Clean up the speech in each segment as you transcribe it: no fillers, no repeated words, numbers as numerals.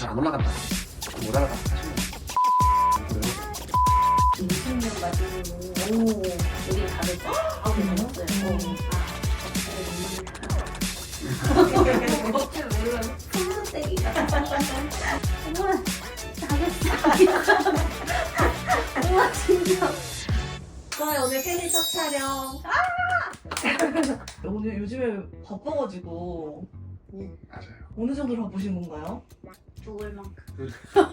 안 올라간다. 못 알아가. 하시면 20년 맞으면 오 여기 다르죠? 아 괜찮았어요. 어째 몰라 손수떼기가 어머나 잘했어. 우와 진짜. 와 오늘 팬이 첫 촬영. 오늘 요즘에 바빠가지고 맞아요. 어느 정도로 바쁘신 건가요? 죽을 만큼.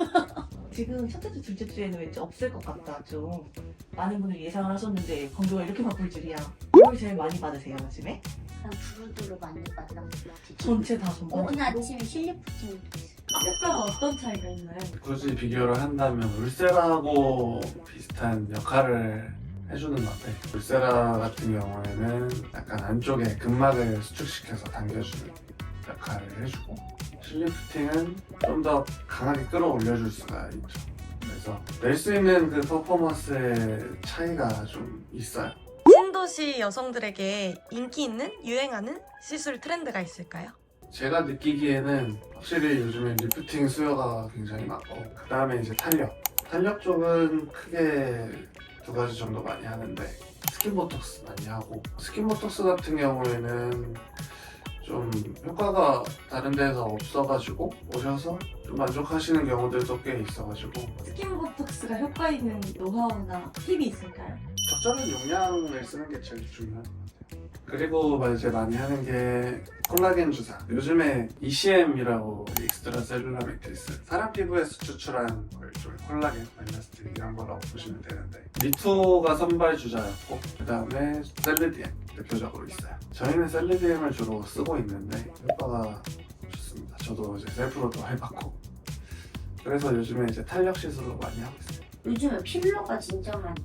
지금 첫째 주, 둘째 주에는 왠지 없을 것 같다 좀 많은 분들이 예상을 하셨는데 건조가 이렇게 바쁠 줄이야. 뭘 제일 많이 받으세요 요즘에? 난 두루두루 많이 받았어요. 전체 다 전반. 오늘 아침에 실리프팅도 있어요. 효과가 어떤 차이가 있나요? 굳이 비교를 한다면 울세라하고 비슷한 역할을 해주는 것 같아요. 울세라 같은 경우에는 약간 안쪽에 근막을 수축시켜서 당겨주는 역할을 해주고 실리프팅은 좀 더 강하게 끌어올려줄 수가 있죠. 그래서 낼 수 있는 그 퍼포먼스의 차이가 좀 있어요. 신도시 여성들에게 인기 있는 유행하는 시술 트렌드가 있을까요? 제가 느끼기에는 확실히 요즘에 리프팅 수요가 굉장히 많고 그 다음에 이제 탄력 쪽은 크게 두 가지 정도 많이 하는데 스킨보톡스 많이 하고 스킨보톡스 같은 경우에는 좀 효과가 다른 데서 없어가지고 오셔서 좀 만족하시는 경우들도 꽤 있어가지고 스킨보톡스가 효과 있는 노하우나 팁이 있을까요? 적절한 용량을 쓰는 게 제일 중요한 것 같아요. 그리고 이제 많이 하는 게 콜라겐 주사. 요즘에 ECM이라고 익스트라 셀룰라 매트리스. 사람 피부에서 추출한 걸 좀 콜라겐, 엘라스틴 이런 거라고 보시면 되는데 리투가 선발 주자였고 그 다음에 셀리디엠 대표적으로 있어요. 저희는 셀리디엠을 주로 쓰고 있는데 효과가 좋습니다. 저도 이제 셀프로도 해봤고 그래서 요즘에 이제 탄력 시술로 많이 하고 있어요. 요즘에 필러가 진짜 많이.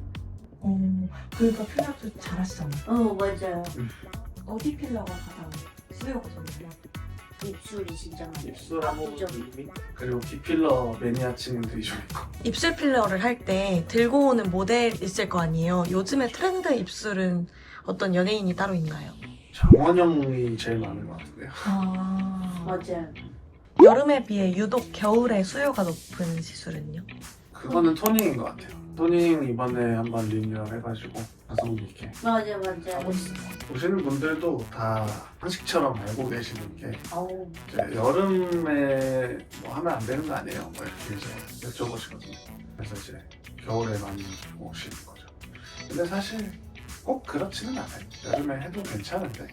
그러니까 필러도 잘하시잖아요. 맞아요. 어디 필러가 가장 수요가 좋나요? 입술이 진짜 많이. 입술하고 압도적이에요. 입 그리고 비필러 매니아층들이 좀 있고 입술 필러를 할 때 들고 오는 모델 있을 거 아니에요. 요즘에 트렌드 입술은 어떤 연예인이 따로 있나요? 장원영이 제일 많은 것 같은데요. 맞아요. 여름에 비해 유독 겨울에 수요가 높은 시술은요? 그거는 토닝인 것 같아요. 토닝 이번에 한번 리뉴얼 해가지고 가성비 있게 맞아요. 하고 있어요. 보시는 분들도 다 상식처럼 알고 계시는 게 어우. 이제 여름에 뭐 하면 안 되는 거 아니에요? 뭐 이렇게 이제 여쭤보시거든요. 그래서 이제 겨울에 많이 오시는 거죠. 근데 사실 꼭 그렇지는 않아요. 여름에 해도 괜찮은데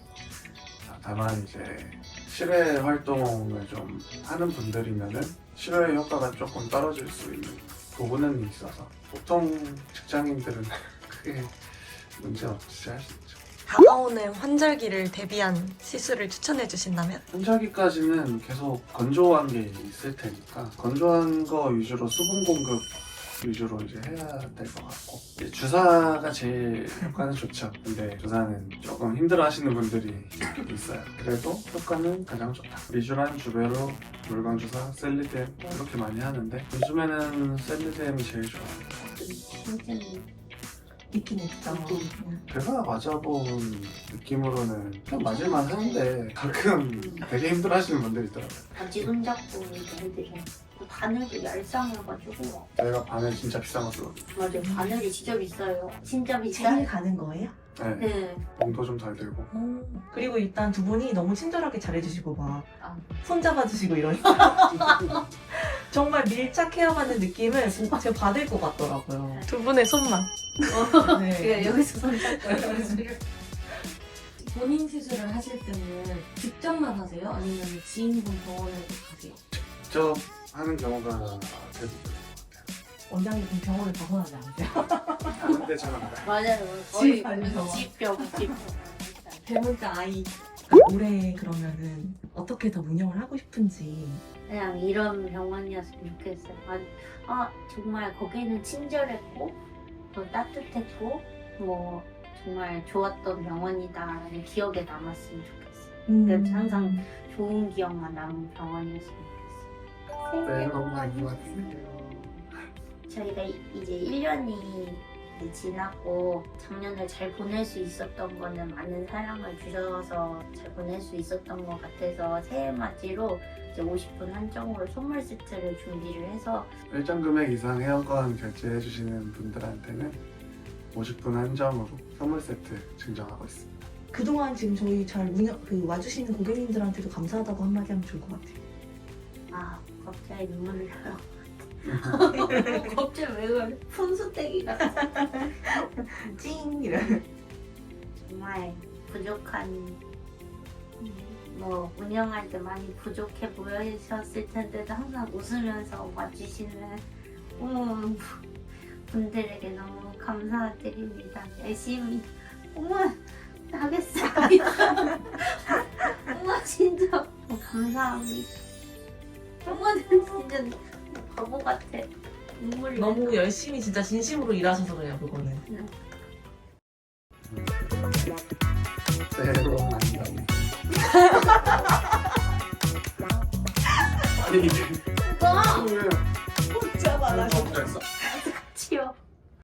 다만 이제 실외 활동을 좀 하는 분들이면은 실외 효과가 조금 떨어질 수 있는 부분은 있어서 보통 직장인들은 크게 문제 없이 할 수 있죠. 다가오는 환절기를 대비한 시술을 추천해 주신다면? 환절기까지는 계속 건조한 게 있을 테니까 건조한 거 위주로 수분 공급 위주로 이제 해야 될 것 같고 이제 주사가 제일 효과는 좋죠. 근데 주사는 조금 힘들어하시는 분들이 있어요. 그래도 효과는 가장 좋다. 미주란 주베로 물광 주사, 셀리뎀 이렇게 많이 하는데 요즘에는 셀리뎀이 제일 좋아요. 진짜 있긴 있죠. 제가 맞아본 느낌으로는 그냥 맞을만 하는데 가끔 되게 힘들어하시는 분들이 있더라고요. 바지 손잡고 이렇게 해드려요. 그 바늘도 얄쌍해가지고. 저희가 바늘 진짜 비싼 거 쓰거든요. 맞아요. 바늘이 진짜 비싸요. 진짜 체이 비싸요. 가는 거예요? 네, 네. 몸도 좀 덜 들고 그리고 일단 두 분이 너무 친절하게 잘해주시고 막 아. 손잡아주시고 이러니까 정말 밀착 헤어받는 느낌을 제가 받을 것 같더라고요. 두 분의 손만. 네. 여기서 손잡고. 본인 시술을 하실 때는 직접만 하세요? 아니면 지인분 병원에 가세요? 직접 하는 경우가 대부분인 것 같아요. 원장님 그럼 병원을 벗어나지 않으세요? 근데 저는 맞아요. 집 아니죠? 집병. 대문자 아이. 올해 그러면은 어떻게 더 운영을 하고 싶은지. 그냥 이런 병원이었으면 좋겠어요. 정말 거기는 친절했고 또 따뜻했고 뭐 정말 좋았던 병원이다라는 기억에 남았으면 좋겠어요. 그래서 항상 좋은 기억만 남은 병원이었으면 좋겠어요. 네, 너무 많이 왔어요. 저희가 이제 1년이 이제 지났고 작년을 잘 보낼 수 있었던 거는 많은 사랑을 주셔서 잘 보낼 수 있었던 것 같아서 새해 맞이로 이제 50분 한정으로 선물 세트를 준비를 해서 일정 금액 이상 회원권 결제해 주시는 분들한테는 50분 한정으로 선물 세트 증정하고 있습니다. 그동안 지금 저희 잘 와주시는 고객님들한테도 감사하다고 한마디 하면 좋을 것 같아요. 아 갑자기 눈물이 나요. 갑자기 왜 그래? 푼수떼기 같아. 찡! 이래. 정말 부족한 뭐 운영할 때 많이 부족해 보이셨을 텐데도 항상 웃으면서 와주시는 분들에게 너무 감사드립니다. 열심히 하겠습니다. 진짜 감사합니다. 진짜 바보 같아. 눈물이 너무 열심히 진짜 진심으로 일하셔서 그래요, 그거는. 새해 복 많이 받으세요. 아니 이게 나. 왜? 진짜 많아. 됐어.